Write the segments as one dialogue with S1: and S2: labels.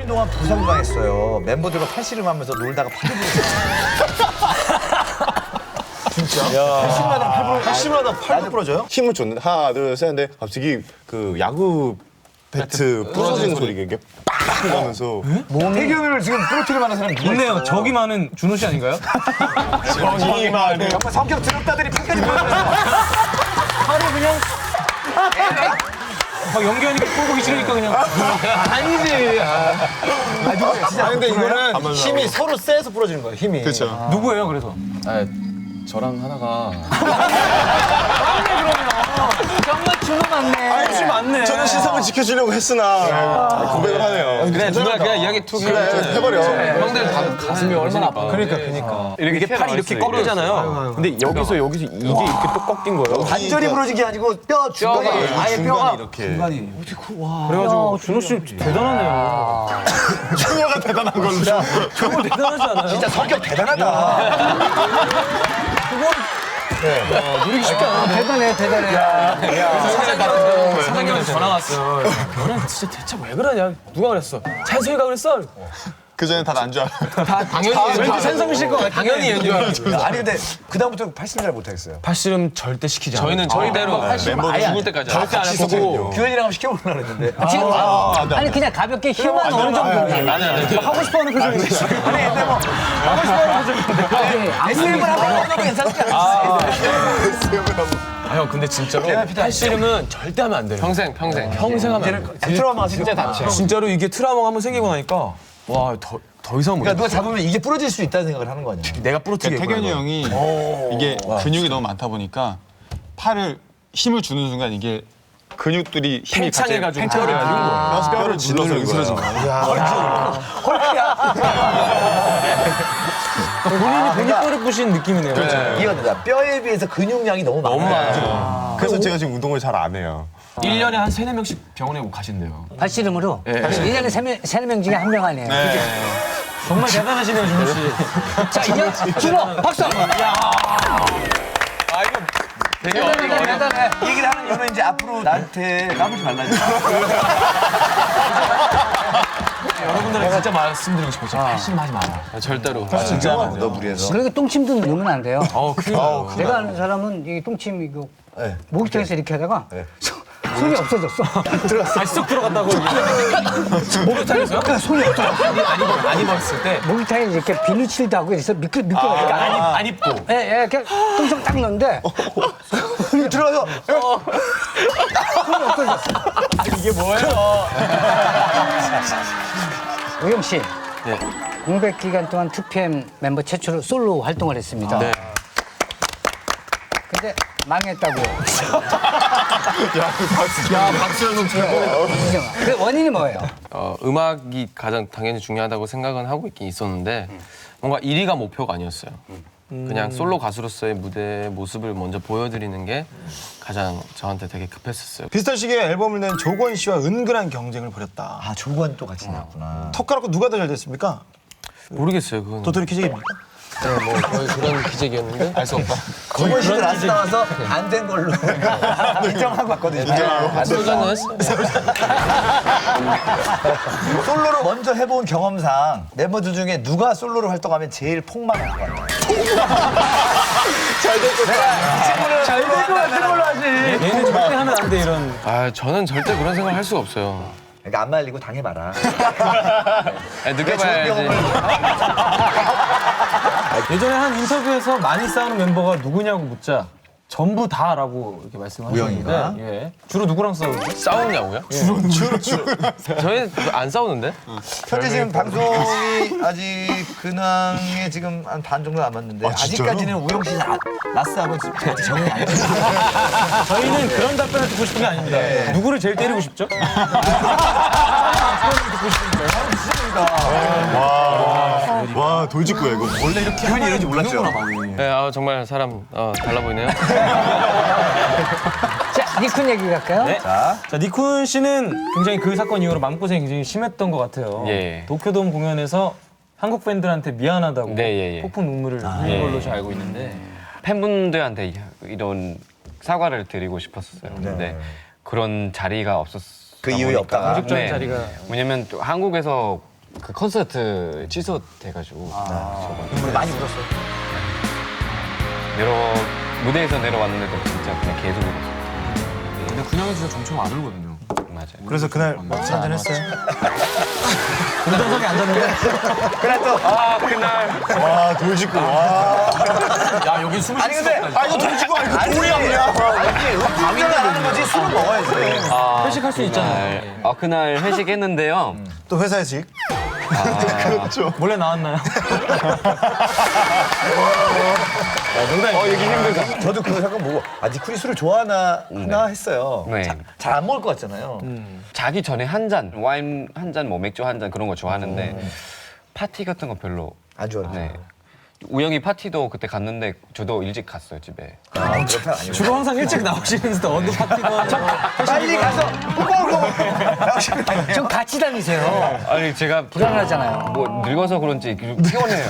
S1: 1년 동안 부상당했어요. 멤버들과 팔씨름하면서 놀다가 팔을 진짜?
S2: 팔씨름하다 팔도 부러져요? 힘을 줬는데 하나 둘 셋 했는데 갑자기 그 야구 배트 부러지는 소리가 이게 빡 나면서
S1: 태균을 지금 부러뜨릴만한 사람이 누가
S3: 있네요.
S1: 있어요?
S3: 저기 많은 준호 씨 아닌가요?
S2: 정말
S1: 정말 성격 드럽다더니 팔까지 부러뜨렸어.
S3: 하루 그냥 막 연기하니까 꼴보기 싫으니까 그냥 아니지.
S2: 아 근데 이거는 힘이 서로 세서 부러지는 거예요 힘이 그렇죠
S3: 누구예요 그래서?
S4: 아, 저랑 하다가
S3: 정말 준호 맞네. 준호 맞네.
S2: 저는 시선을 지켜주려고 했으나 고백을 하네요
S4: 그래 누나 그냥 이야기 툭
S2: 해버려
S4: 형들 다 가슴이 얼마나 아파.
S3: 그러니까.
S4: 이렇게 팔이 이렇게 꺾이잖아요. 근데 여기서 이게 이렇게 또 꺾인 거예요.
S1: 관절이 부러진 게 아니고 뼈 중간에 아예 뼈가
S2: 이렇게
S3: 그래가지고 준호 씨 대단하네요.
S2: 충녀가 대단한 걸로
S3: 정말 대단하지 않아요?
S1: 진짜 성격 대단하다.
S3: 누리기 쉽지 않은데. 사장님한테 전화 왔어. 너는 진짜 대체 왜 그러냐? 누가 그랬어? 찬성이가 그랬어?
S2: 그 전에 다 난 줄 알아요
S4: 당연히
S3: 왠지 찬성이 실것 같아.
S4: 당연히 연주.
S1: 아니 근데 그다음부터 팔씨름 잘 못하겠어요.
S3: 팔씨름 절대 시키지 않아요.
S4: 저희는 저희대로
S2: 멤버들
S4: 죽을 때까지
S2: 절대 안 했었거든요
S1: 규현이랑 한번 시켜보려고 했는데.
S5: 지금 아니 그냥 가볍게 힘만 어느 정도
S4: 아니
S3: 하고 싶어하는 표정이지.
S1: 아니 근데 뭐 하고 싶어하는 표정인데. SM을 한번 해봐도 괜찮지 않겠어요?
S3: 아 형 근데 진짜로 팔씨름은 절대 하면 안 돼요.
S4: 평생
S3: 평생 하면 안 돼.
S1: 트라우마 진짜 다쳐.
S3: 진짜로 이게 트라우마가 한번 생기고 나니까 와 더 이상 못.
S1: 그러니까 누가 잡으면 이게 부러질 수 있다는 생각을 하는 거 아니야?
S3: 내가 부러뜨게.
S6: 태균이 형이 이게 근육이 너무 많다 보니까 팔을 힘을 주는 순간 이게 근육들이 힘이
S3: 팽창해가지고
S2: 뼈를 질러서 으스러진 거예요
S3: 본인이 뼈를 부신 느낌이네요.
S1: 이해가 된다. 뼈에 비해서 근육량이 너무 많아.
S2: 그래서 제가 지금 운동을 잘 안 해요
S3: 1년에 한 3-4명씩 병원에 가신대요.
S5: 팔씨름으로 1년에 3명 중에 한 명 아니에요.
S3: 정말 대단하시네요, 준호 씨.
S5: 자, 이제 준호 박수 한번. 대단해.
S1: 이 얘기를 하는 이유는 이제 앞으로 나한테 까불지 말라니까.
S3: 여러분들은 진짜 말씀드리고 싶어요. 팔씨름 하지 마라.
S4: 절대로.
S1: 진짜 너 무리해서.
S5: 그러니까 똥침도 넣으면 안 돼요.
S3: 큰일 나요.
S5: 내가 아는 사람은 이 똥침 이거
S1: 네.
S5: 목욕탕에서 이렇게 하다가 손이 없어졌어.
S3: 아, 쏙 들어갔다고. 목욕탕에서요?
S5: 손이 없어졌어.
S3: 안 입었을 때.
S5: 목욕탕에 이렇게 비누칠도 하고 그래서 미끄러우니까
S3: 안 입고.
S5: 예, 이렇게 똥청 딱 넣는데
S1: 손이 들어가서
S5: 손이 없어졌어.
S3: 이게 뭐예요?
S5: 우영 씨.
S4: 네.
S5: 공백 기간 동안 2PM 멤버 최초로 솔로 활동을 했습니다.
S4: 네.
S5: 근데 망했다고.
S4: 박수는
S5: 그 원인이 뭐예요?
S4: 음악이 가장 당연히 중요하다고 생각은 하고 있긴 있었는데 뭔가 1위가 목표가 아니었어요. 그냥 솔로 가수로서의 무대 모습을 먼저 보여드리는 게 가장 저한테 되게 급했었어요.
S2: 비슷한 시기에 앨범을 낸 조건 씨와 은근한 경쟁을 벌였다
S1: 아 조건 또 같이 나왔구나.
S2: 턱가락고 누가 더 잘 됐습니까?
S4: 모르겠어요, 그건.
S2: 도토리 키재기입니까?
S4: 네, 뭐 거의 그런 기적이었는데 알 수 없다.
S1: 조건 씨들 안 나와서 안 된 걸로 인정하고 왔거든요.
S4: 소전은 했어요.
S1: 솔로로 먼저 해본 경험상 멤버들 중에 누가 솔로로 활동하면 제일 폭망할 것 같아요?
S3: 잘될 것 같은 걸로 하지. 얘는 절대 하면 안 돼, 이런.
S4: 아, 저는 절대 그런 생각을 할 수가 없어요.
S1: 그러니까 안 말리고 당해봐라.
S4: 느껴봐야지.
S3: 예전에 한 인터뷰에서 많이 싸우는 멤버가 누구냐고 묻자 전부 다라고 이렇게 말씀하셨는데
S1: 우영이가?
S3: 예. 주로 누구랑 싸우죠?
S4: 싸우냐고요? 주로. 저희 안 싸우는데?
S1: 현재 지금 방송이 아직 근황에 지금 한 반 정도 남았는데 아직까지는 우영 씨 라스하고 아직 정이 안 됐어요.
S3: 저희는 그런 답변을 듣고 싶은 게 아닙니다. 누구를 제일 때리고 싶죠?
S2: 와 돌직구야 이거
S1: 원래 이렇게 현이 이런지 몰랐죠?
S4: 네, 정말 사람 달라 보이네요.
S5: 자, 니쿤 얘기 갈까요?
S3: 네. 자, 니쿤 씨는 굉장히 그 사건 이후로 마음고생이 굉장히 심했던 것 같아요.
S4: 예.
S3: 도쿄돔 공연에서 한국 팬들한테 미안하다고
S4: 네, 예.
S3: 폭풍 눈물을 흘린 걸로 제가 알고 있는데
S7: 팬분들한테 이런 사과를 드리고 싶었어요. 근데 그런 자리가 없었어요.
S1: 그 이후에 없다가.
S3: 공식적인 자리가
S7: 왜냐면 또 한국에서 그 콘서트 취소돼가지고
S1: 눈물 많이 울었어요.
S7: 무대에서 내려왔는데도 진짜 그냥 계속 울었어요.
S3: 근데 근황이 진짜 점점 안 울거든요.
S7: 맞아요.
S2: 그래서 그날 막차 한잔 했어요.
S3: 운전석에 앉았는데
S7: 아 그날
S2: 와 돌직구. 와.
S3: 야 여기 숨을
S1: 아니 근데
S2: 이거 돌직구 아니고 돌이 아니야.
S1: 이게 음주운전을 안 하는 거지 술은 먹어야지.
S3: 회식할 수 있잖아요.
S7: 그날 회식했는데요.
S2: 또 회사에서 그렇죠.
S3: 몰래 나왔나요?
S1: 얘기 힘들다. 저도 그거 잠깐 보고 니쿨이 술을 좋아하나 하나 했어요.
S7: 네.
S1: 잘 안 먹을 것 같잖아요.
S7: 자기 전에 한 잔, 와인 한 잔, 뭐 맥주 한 잔 그런 거 좋아하는데 파티 같은 거 별로.
S1: 안 좋아하나?
S7: 네. 우영이 파티도 그때 갔는데 저도 일찍 갔어요 집에.
S1: 그런 편 아니고.
S3: 주로 항상 일찍 나오시는데 어느 파티건
S1: 빨리 가서 후보로
S5: 좀 같이 다니세요.
S7: 아니 제가
S5: 불안하잖아요.
S7: 뭐 늙어서 그런지 피곤해요.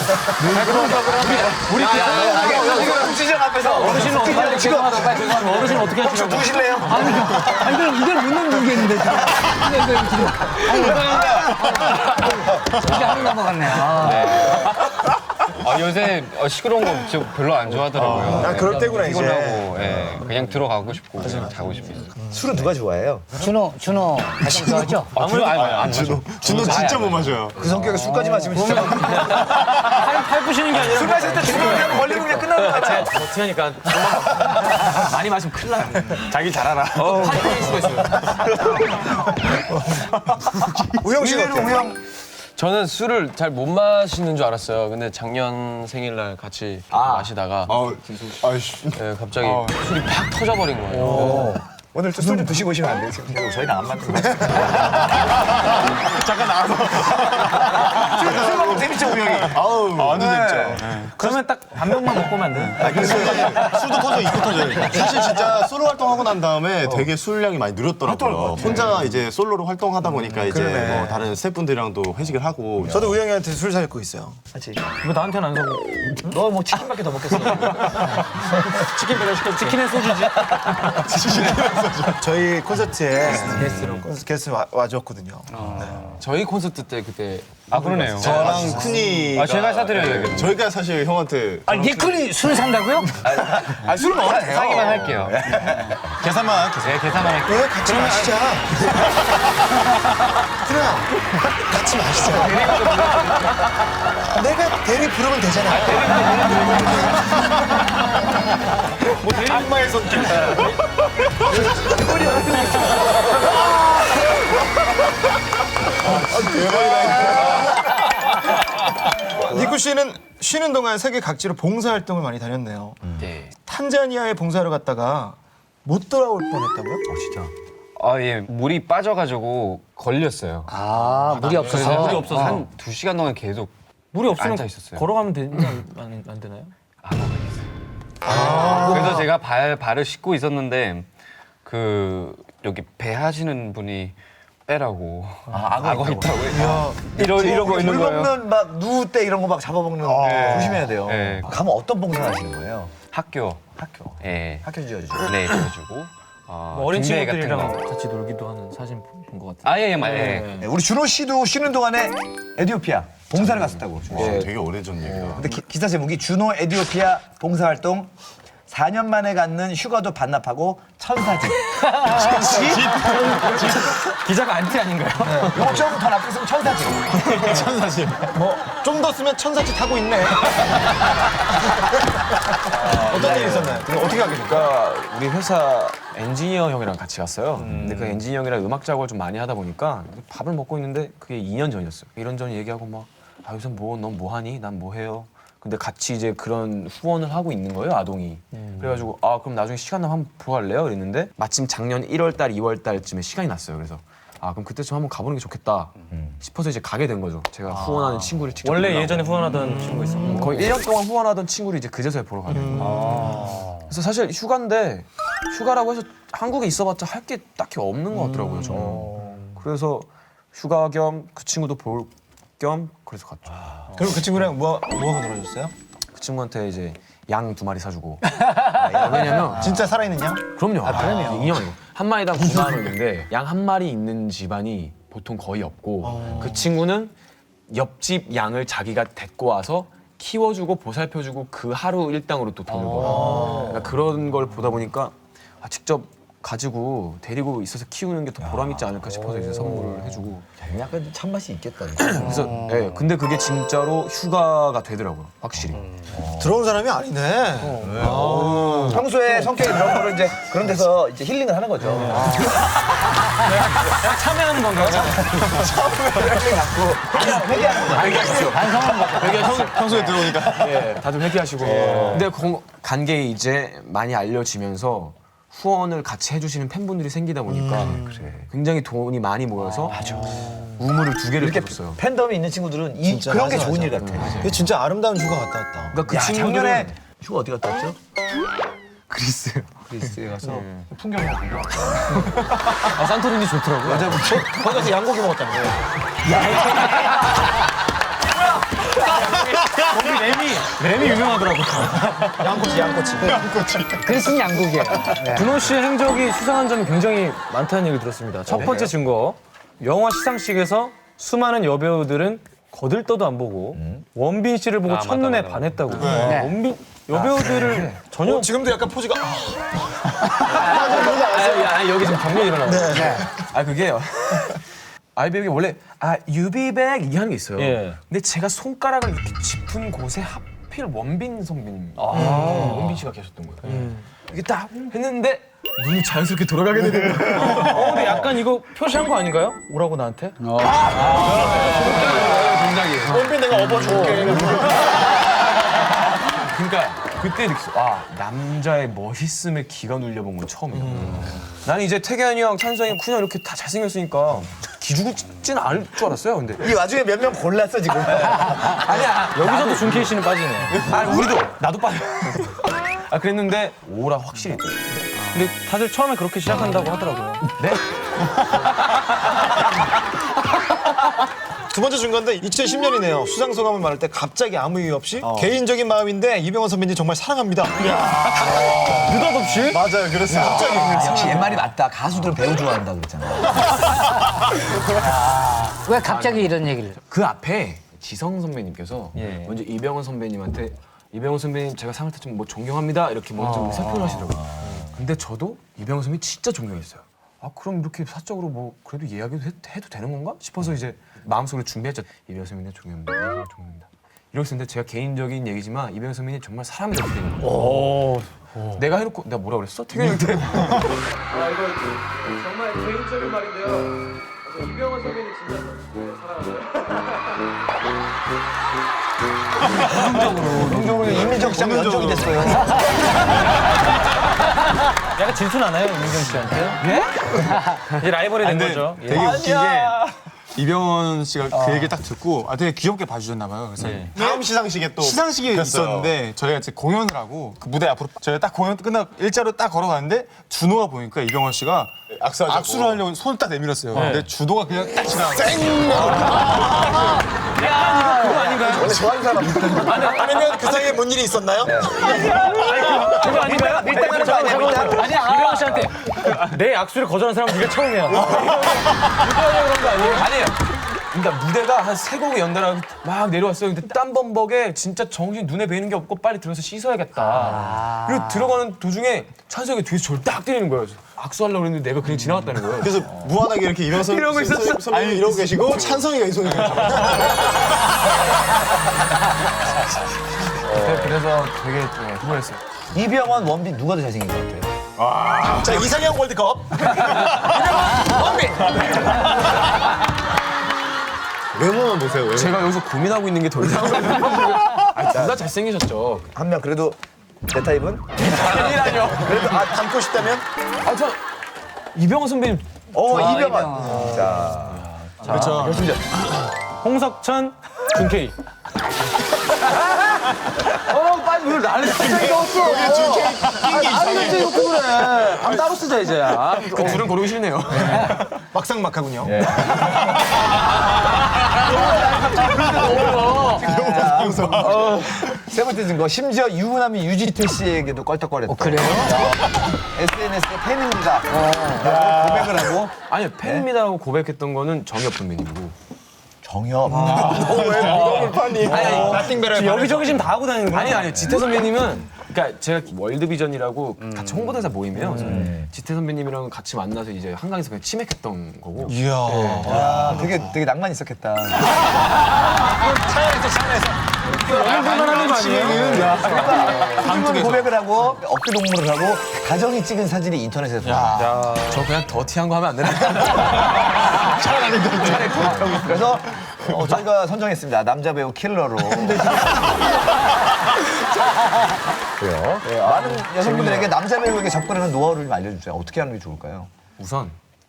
S1: 시장 앞에서
S3: 어르신은 빨리 죄송하다 빨리 죄송하다 어르신 어떻게 하시냐고.
S1: 누구실래요?
S5: 아니 그럼 이걸 묻는 모르겠는데 이거 지금 이게 하루 넘어갔네요.
S7: 요새 시끄러운 거 진짜 별로 안 좋아하더라고요.
S2: 그럴 때구나 이제.
S7: 피곤하고 그냥 들어가고 싶고 그냥 자고 싶어요.
S1: 술은 누가 좋아해요?
S5: 준호 가장 좋아하죠?
S7: 아무래도 안 마셔.
S2: 준호 진짜 못 마셔요.
S1: 그 성격에 술까지 마시면 진짜
S3: 팔 부시는 게 아니라
S1: 술 마실 때 주로 그냥 걸리면 그냥 끝나는 거 같아.
S3: 어떻게 하니까 많이 마시면 큰일 나. 자기 잘 알아. 파티일 수가 있어요.
S1: 우영 씨는 우영.
S4: 저는 술을 잘 못 마시는 줄 알았어요. 근데 작년 생일날 같이 마시다가
S2: 아이씨.
S4: 네, 갑자기 술이 팍 터져버린 거예요.
S1: 오늘 또 술 좀 드시고 오시면 안 돼요? 지금 저희는 안 맞는 거
S2: 잠깐 나와서.
S1: 술 먹으면 재밌죠 우영이?
S2: 완전 재밌죠.
S3: 그러면 딱 반 병만 먹고 오면 안 돼?
S2: 술도 터져, 입도 터져요. 사실 진짜 솔로 활동하고 난 다음에 되게 술량이 많이 늘었더라고요. 혼자 이제 솔로로 활동하다 보니까 이제
S1: 그러네.
S2: 뭐 다른 스태프분들이랑도 회식을 하고.
S8: 저도 우영이한테 술 사고 있어요.
S1: 맞지?
S3: 왜 나한테는 안 사고?
S1: 너 뭐 치킨밖에 더 먹겠어.
S3: 치킨 배달시켜 치킨에 소주지?
S8: 저희 콘서트에 게스트 와줬거든요.
S4: 저희 콘서트 때 그때
S7: 그러네요.
S2: 저랑 쿠니.
S7: 제가 사드려야겠네요.
S2: 저희가 사실 형한테
S5: 니클이 술 산다고요?
S2: 술 먹어도 돼요.
S7: 사기만 할게요.
S2: 계산만.
S7: 네, 계산만 할게요.
S8: 왜 같이 마시자. 그래, 같이 마시자. 내가 대리 부르면 되잖아.
S2: 악마의 손길.
S8: 니쿠 씨는 쉬는 동안 세계 각지로 봉사활동을 많이 다녔네요.
S7: 네.
S8: 탄자니아에 봉사하러 갔다가 못 돌아올 뻔했다고요?
S1: 진짜.
S7: 예, 물이 빠져가지고 걸렸어요.
S5: 물이 없어서.
S7: 물이 없어서 한 2시간 동안 계속
S3: 물이 없으면
S7: 앉아 있었어요.
S3: 걸어가면 되지 안 되나요?
S7: 그래서 제가 발을 씻고 있었는데 그 여기 배 하시는 분이 빼라고 악어 있다고 이러고 있는
S1: 물
S7: 거예요.
S1: 먹는 막 누우 때 이런 거 막 잡아먹는 거 조심해야 돼요.
S7: 네.
S1: 가면 어떤 봉사 하시는 거예요?
S7: 학교.
S1: 학교.
S7: 예.
S1: 학교 지어주죠.
S7: 네, 보여주고.
S3: 어린
S7: 중대 같은
S3: 친구들이랑
S7: 거.
S3: 같이 놀기도 하는 사진 본 것 같아요.
S7: 예.
S1: 네, 우리 준호 씨도 쉬는 동안에 에티오피아 봉사를 갔었다고.
S2: 되게 오래전 얘기야.
S1: 근데 기사 제목이 준호 에티오피아 봉사활동 4년 만에 갖는 휴가도 반납하고 천사집.
S3: 기자가 안티 아닌가요?
S1: 이거 좀 더 나쁘으면 천사집.
S8: 좀 더 쓰면 천사짓 하고 있네. 어떤 일이 있었나요? 어떻게 하게 됐어요?
S9: 그러니까 우리 회사 엔지니어 형이랑 같이 갔어요. 근데 그 엔지니어 형이랑 음악 작업을 좀 많이 하다 보니까 밥을 먹고 있는데 그게 2년 전이었어요. 이런저런 얘기하고 막 요새 넌 뭐 하니? 난 뭐 해요? 근데 같이 이제 그런 후원을 하고 있는 거예요, 아동이. 그래가지고 그럼 나중에 시간 나면 한번 보러 갈래요? 이랬는데 마침 작년 1월 달, 2월 달쯤에 시간이 났어요. 그래서 그럼 그때쯤 한번 가보는 게 좋겠다 싶어서 이제 가게 된 거죠. 제가 후원하는 친구를 직접
S3: 원래
S9: 만나고.
S3: 예전에 후원하던 친구가 있었고
S9: 거의 1년 동안 후원하던 친구를 이제 그제서야 보러 가게 된 거예요. 그래서 사실 휴가인데 휴가라고 해서 한국에 있어봤자 할 게 딱히 없는 것 같더라고요. 저는. 그래서 휴가 겸 그 친구도 볼 겸 그래서 갔죠.
S8: 그리고 그 친구랑 뭐 하고 놀아줬어요?
S9: 그 친구한테 이제 양 2마리 사주고. 왜냐면
S8: 진짜 살아있는 양?
S9: 그럼요. 그럼요. 인형 아니고 한 마리당 9만 원인데 양 한 마리 있는 집안이 보통 거의 없고 그 친구는 옆집 양을 자기가 데리고 와서 키워주고 보살펴주고 그 하루 일당으로 또 돈을 벌어요. 그러니까 그런 걸 보다 보니까 직접 가지고 데리고 있어서 키우는 게 더 보람 있지 않을까 싶어서 이제 선물을 해주고.
S1: 약간 참맛이 있겠다.
S9: 그래서 네, 근데 그게 진짜로 휴가가 되더라고요, 확실히.
S8: 들어온 사람이 아니네.
S1: 평소에 성격이 그런 거를 이제 그런 데서 이제 힐링을 하는 거죠.
S3: 참여하는 건가요?
S6: 평소에 들어오니까.
S9: 네, 다들 회개하시고. 근데 간게 이제 많이 알려지면서 후원을 같이 해주시는 팬분들이 생기다 보니까 굉장히 돈이 많이 모여서 우물을 2개를
S1: 이렇게
S9: 줬어요.
S1: 팬덤이 있는 친구들은 그런 게 좋은 일 같아.
S8: 이게 진짜 아름다운 휴가 갔다 왔다.
S9: 그러니까 그 친구들은
S1: 작년에 휴가 어디 갔다 왔죠?
S9: 그리스요.
S1: 그리스에 가서
S3: 아, 산토리니 좋더라고요.
S1: 맞아, 거기 가서 양고기 먹었다는 거예요.
S3: 거기 램이 유명하더라고요.
S8: 양꼬치.
S5: 그리스는 양국이에요. 네.
S3: 준호 씨의 행적이 수상한 점이 굉장히 많다는 얘기 들었습니다. 첫 번째 증거, 영화 시상식에서 수많은 여배우들은 거들떠도 안 보고 원빈 씨를 보고 첫눈에 반했다고. 원빈 여배우들을 전혀
S8: 지금도 약간 포즈가
S3: 여기 지금 경련이 일어나고.
S9: 그게요. 아이백이 원래 유비백 이게 하는 게 있어요.
S3: 예.
S9: 근데 제가 손가락을 이렇게 짚은 곳에 하필 원빈 선배님, 원빈 씨가 계셨던 거예요. 이게 딱 했는데 눈이 자연스럽게 돌아가게 되는 거예요.
S3: 근데 약간 이거 표시한 거 아닌가요? 오라고 나한테?
S8: 원빈 내가 업어줄게.
S9: 그러니까 그때 느꼈어. 남자의 멋있음에 기가 눌려본 건 처음이에요. 나는 이제 태견이 형, 찬성이 형, 쿤형 이렇게 다 잘생겼으니까 기죽을 진 않을 줄 알았어요. 근데
S1: 이 와중에 몇 명 골랐어 지금.
S9: 아니야.
S3: 여기서도 준케이 씨는 빠지네.
S9: 아니 우리도 나도 빠져. 그랬는데 오라 확실히 있더라고요.
S3: 근데 다들 처음에 그렇게 시작한다고 하더라고요.
S9: 네?
S8: 두 번째 증거인데 2010년이네요. 수상 소감을 말할 때 갑자기 아무 이유 없이 개인적인 마음인데 이병헌 선배님 정말 사랑합니다.
S3: 느닷없이?
S8: 맞아요. 그랬어요. 갑자기.
S1: 역시 옛말이 맞다. 가수들은 배우 좋아한다 그랬잖아.
S5: 왜 갑자기 이런 얘기를?
S9: 그 앞에 지성 선배님께서
S3: 예.
S9: 먼저 이병헌 선배님한테 이병헌 선배님 제가 상을 타지면 뭐 존경합니다 이렇게 먼저 의사표현을 하시더라고요. 근데 저도 이병헌 선배님 진짜 존경했어요. 그럼 이렇게 사적으로 뭐 그래도 이야기도 해도 되는 건가 싶어서 이제 마음속으로 준비했죠. 이병헌 선배님 존경합니다. 존경합니다. 이러고 있었는데 제가 개인적인 얘기지만 이병헌 선배님 정말 사람이 되게 되는 거예요. 내가 해놓고 내가 뭐라 그랬어? 태균이한테. 이거 정말 개인적인 말인데요. 이병헌 선배님 진짜
S1: 긍정적으로 이민정 씨랑 연정이 됐어요.
S3: 약간 질투나나요, 민경 씨한테? 예? 이제 라이벌이 된 거죠. 예.
S6: 되게 웃긴 게 이병헌 씨가 그 얘기 딱 듣고 되게 귀엽게 봐주셨나 봐요. 그래서
S8: 다음 시상식에 또
S6: 시상식이 있었는데 저희가 이제 공연을 하고 그 무대 앞으로 저희가 딱 공연 끝나고 일자로 딱 걸어가는데 준호가 보니까 이병헌 씨가 악수를 하려고 손을 딱 내밀었어요. 근데 준호가 그냥 딱 지나가고
S1: 원래 좋아하는 사람
S8: 아니면 그 사이에 뭔 일이 있었나요?
S3: 그거 아닌가요?
S1: 밀당하는 거 아니야? 밀당?
S3: 이병헌 씨한테 내 악수를 거절한 사람 네가 처음이야. 그런 거 아니에요?
S9: 아니에요. 그러니까 무대가 한 3곡이 연달아 막 내려왔어요. 근데 땀범벅에 진짜 정신 눈에 뵈는 게 없고 빨리 들어가서 씻어야겠다. 그리고 들어가는 도중에 찬성이 뒤에서 저를 딱 때리는 거예요. 악수하려고 그랬는데 내가 그냥 지나갔다는 거예요.
S8: 그래서 무한하게 이렇게 일어서
S9: 이러고 있었어.
S8: 선배님 이러고 계시고 찬성이가 이 손에
S9: 그래서 되게 후회했어요.
S1: 이병헌, 원빈 누가 더 잘생긴 것 같아요?
S8: 자 이상형 월드컵
S2: 외모만 보세요. 외모.
S9: 제가 여기서 고민하고 있는 게 더 이상. 둘 다 잘생기셨죠.
S1: 한 명 그래도 내 타입은?
S9: 아니라뇨.
S8: 그래도 닮고 싶다면
S9: 저 이병헌 선배님.
S1: 이병헌. 자,
S6: 그렇죠.
S3: 홍석천, 준케이.
S9: 빨리 왜 나를 갑자기 넣었어? 그래. 방 따로 쓰자 이제. 그 둘은 고르기 싫네요.
S8: 막상막하군요.
S1: 세 번째 증거. 심지어 유부남이 유지태 씨에게도 껄떡거렸다.
S5: 그래요?
S1: SNS에 팬입니다. 고백을 하고.
S9: 아니요 팬입니다라고 고백했던 거는 정엽 선배님이고.
S1: 정엽.
S3: 여기저기 지금 다 하고 다니는 거야.
S9: 아니 지태 선배님은 그러니까 제가 월드비전이라고 같이 홍보대사 모임이에요. 그래서 지태 선배님이랑 같이 만나서 이제 한강에서 그냥 치맥했던 거고.
S1: 야, 되게 낭만 있었겠다.
S3: 연애만 하는 거 아니에요?
S1: 방송에 고백을 하고 어깨 동무를 하고 가정이 찍은 사진이 인터넷에서 나와.
S9: 저 그냥 더티한 거 하면 안 되나?
S1: 그래서 저희가 남자 배우 킬러로. 그래요. 네, 많은 여성분들에게 남자 배우에게 접근하는 노하우를 좀 알려주세요. 어떻게 하는 게 좋을까요?
S9: 우선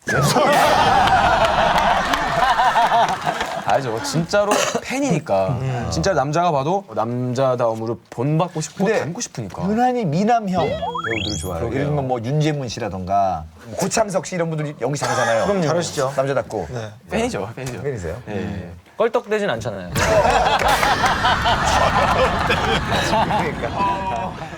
S9: 알죠. 진짜로 팬이니까. 진짜 남자가 봐도 남자다움으로 본받고 싶고
S1: 근데
S9: 닮고 싶으니까.
S1: 유난히 미남형 배우들을 좋아해요. 예를 들면 뭐 윤재문 씨라던가 고창석 씨 이런 분들이 연기 잘하잖아요. 그럼
S8: 잘하시죠.
S1: 남자답고.
S9: 팬이죠.
S1: 팬이세요?
S3: 껄떡대진 않잖아요.
S1: 그러니까.